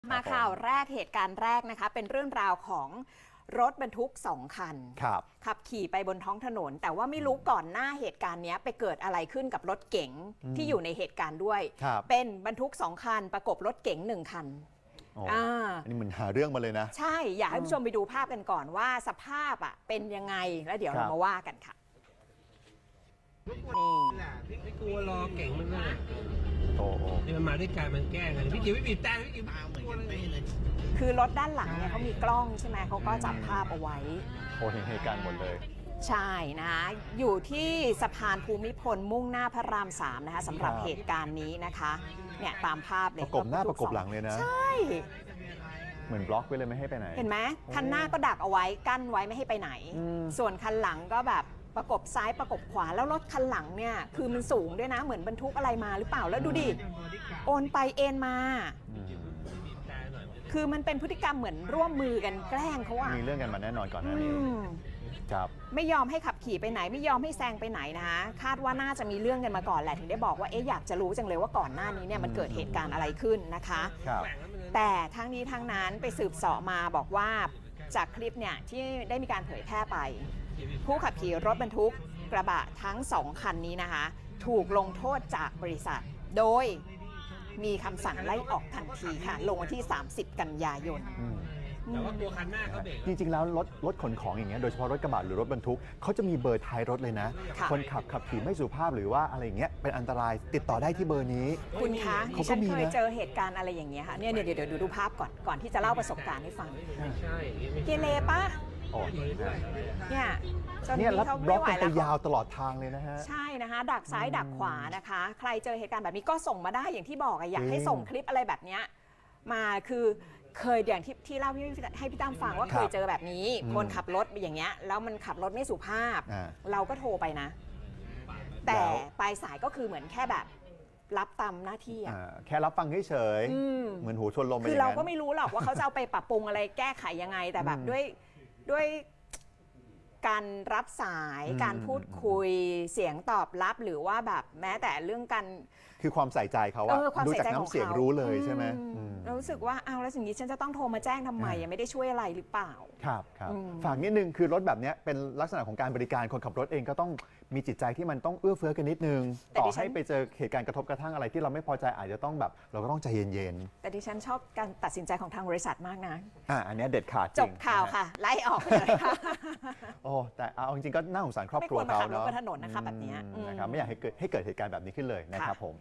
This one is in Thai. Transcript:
มาข่าวแรกเหตุการณ์แรกนะคะเป็นเรื่องราวของรถบรรทุก2 คันขับขี่ไปบนท้องถนนแต่ว่าไม่รู้ก่อนหน้าเหตุการณ์นี้ไปเกิดอะไรขึ้นกับรถเก๋งที่อยู่ในเหตุการณ์ด้วยเป็นบรรทุก2 คันประกบรถเก๋ง1 คันอันนี้เหมือนหาเรื่องมาเลยนะใช่อยากให้ผู้ชมไปดูภาพกันก่อนว่าสภาพเป็นยังไงแล้วเดี๋ยวเรามาว่ากันค่ะนี่ไม่กลัวรอเก่งมันเลยนี่มันมาด้วยการมันแกล้งกันพี่กิ๊วไม่บีบแต่พี่กิ๊วกลัวเลยคือรถด้านหลังเนี่ยเขามีกล้องใช่ไหมเขาก็จับภาพเอาไว้เห็นเหตุการณ์หมดเลยใช่นะอยู่ที่สะพานภูมิพลมุ่งหน้าพระราม3นะคะสำหรับเหตุการณ์นี้นะคะเนี่ยตามภาพเลยประกบหน้าประกบหลังเลยนะใช่เหมือนบล็อกไว้เลยไม่ให้ไปไหนเห็นไหมคันหน้าก็ดักเอาไว้กั้นไว้ไม่ให้ไปไหนส่วนคันหลังก็แบบประกบซ้ายประกบขวาแล้วรถคันหลังเนี่ยคือมันสูงด้วยนะเหมือนบรรทุกอะไรมาหรือเปล่าแล้วดูดิโอนไปเอ็นมาคือมันเป็นพฤติกรรมเหมือนร่วมมือกันแกล้งเขาอะมีเรื่องกันมาแน่นอนก่อนหน้านี้ครับไม่ยอมให้ขับขี่ไปไหนไม่ยอมให้แซงไปไหนนะคะคาดว่าน่าจะมีเรื่องกันมาก่อนแหละถึงได้บอกว่าอยากจะรู้จังเลยว่าก่อนหน้านี้เนี่ยมันเกิดเหตุการณ์อะไรขึ้นนะคะแต่ทั้งนี้ทั้งนั้นไปสืบเสาะมาบอกว่าจากคลิปเนี่ยที่ได้มีการเผยแพร่ไปผู้ขับขี่รถบรรทุกกระบะทั้ง2 คันนี้นะคะถูกลงโทษจากบริษัทโดยมีคำสั่งไล่ออกทันทีค่ะลงวันที่30 กันยายนแต่ว่าตัวคันหน้าเขาเบรกจริงๆแล้วรถขนของอย่างเงี้ยโดยเฉพาะรถกระบะหรือรถบรรทุกเขาจะมีเบอร์ท้ายรถเลยนะคนขับขี่ไม่สุภาพหรือว่าอะไรอย่างเงี้ยเป็นอันตรายติดต่อได้ที่เบอร์นี้คุณคะดิฉันเคยเจอเหตุการณ์อะไรอย่างเงี้ยค่ะเนี่ยเดี๋ยวดูภาพก่อนที่จะเล่าประสบการณ์ให้ฟังเกเรปะเนี่ยจนที่เขาไม่ไหวแล้วยาวตลอดทางเลยนะฮะใช่นะคะดักซ้ายดักขวานะคะใครเจอเหตุการณ์แบบนี้ก็ส่งมาได้อย่างที่บอกอยากให้ส่งคลิปอะไรแบบนี้มาคือเคยอย่างที่เล่าให้พี่ตั้มฟังว่าเคยเจอแบบนี้คนขับรถอย่างเงี้ยแล้วมันขับรถไม่สุภาพเราก็โทรไปนะแต่ปลายสายก็คือเหมือนแค่แบบรับตามหน้าที่แค่รับฟังเฉยๆเหมือนหูชนลมคือเราก็ไม่รู้หรอกว่าเขาจะเอาไปปรับปรุงอะไรแก้ไขยังไงแต่แบบด้วยการรับสายการพูดคุยเสียงตอบรับหรือว่าแบบแม้แต่เรื่องการคือความใส่ใจเขาอะดูจากน้ำเสียงรู้เลยใช่ไหมเรารู้สึกว่าเอาแล้วสิ่งนี้ฉันจะต้องโทรมาแจ้งทำไมยังไม่ได้ช่วยอะไรหรือเปล่าครับฝากนิดนึงคือรถแบบนี้เป็นลักษณะของการบริการคนขับรถเองก็ต้องมีจิตใจที่มันต้องเอื้อเฟื้อกันนิดนึงต่อให้ไปเจอเหตุการณ์กระทบกระทั่งอะไรที่เราไม่พอใจอาจจะต้องแบบเราก็ต้องใจเย็นๆแต่ดิฉันชอบการตัดสินใจของทางบริษัทมากนะอันนี้เด็ดขาดจบข่าวค่ะไล่ออกเลยค่ะโอ้แต่เอาจริงๆก็น่าสงสารครอบครัวเขาเนาะไม่ควรมาขับรถบนถนนนะคะแบบนี้นะครับไม่อยากให้เกิดเหตุการณ์แบบนี้ขึ้นเลยนะครับผม